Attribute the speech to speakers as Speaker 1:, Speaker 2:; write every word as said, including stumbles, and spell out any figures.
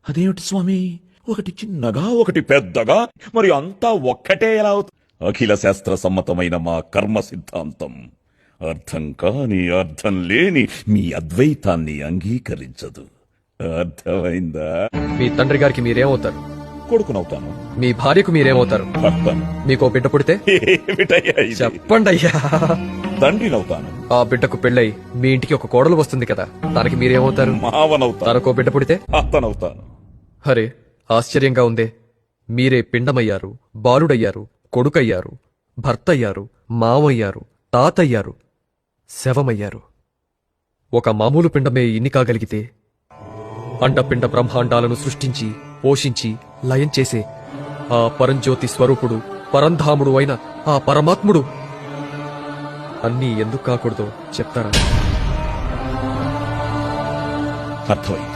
Speaker 1: అదేమిటి స్వామి, ఒకటి చిన్నగా ఒకటి పెద్దగా, మరి అంతా ఒక్కటే ఎలా అవుతుంది? అఖిల శాస్త్ర సమ్మతమైన మా కర్మ సిద్ధాంతం అర్థం కాని అర్థం లేని మీ అద్వైతాన్ని అంగీకరించదు. అర్థమైందా?
Speaker 2: మీ తండ్రి గారికి మీరేమవుతారు?
Speaker 1: కొడుకునవుతాను.
Speaker 2: మీ భార్యకు మీరేమవుతారు?
Speaker 1: భర్తను.
Speaker 2: మీకో బిడ్డ పుడితే
Speaker 1: ఏమిటయ్యా ఇది?
Speaker 2: చెప్పండి అయ్యా.
Speaker 1: తండ్రినవుతాను.
Speaker 2: ఆ బిడ్డకు పెళ్ళై మీ ఇంటికి ఒక కోడలు వస్తుంది కదా, దానికి మీరేమవుతారు?
Speaker 1: మావనవుతాను.
Speaker 2: తనకో బిడ్డ పుడితే
Speaker 1: అత్తనవుతాను.
Speaker 2: హరే ఆశ్చర్యంగా ఉందే. మీరే పిండమయ్యారు, బాలుడయ్యారు, కొడుకయ్యారు, భర్తయ్యారు, మావయ్యారు, తాతయ్యారు, శవమయ్యారు. ఒక మామూలు పిండమే ఇన్ని కాగలిగితే అండపిండ బ్రహ్మాండాలను సృష్టించి పోషించి లయం చేసే ఆ పరంజ్యోతి స్వరూపుడు పరంధాముడు అయిన ఆ పరమాత్ముడు అన్నీ ఎందుకు కాకూడదో చెప్తారా?
Speaker 1: అర్థమైంది.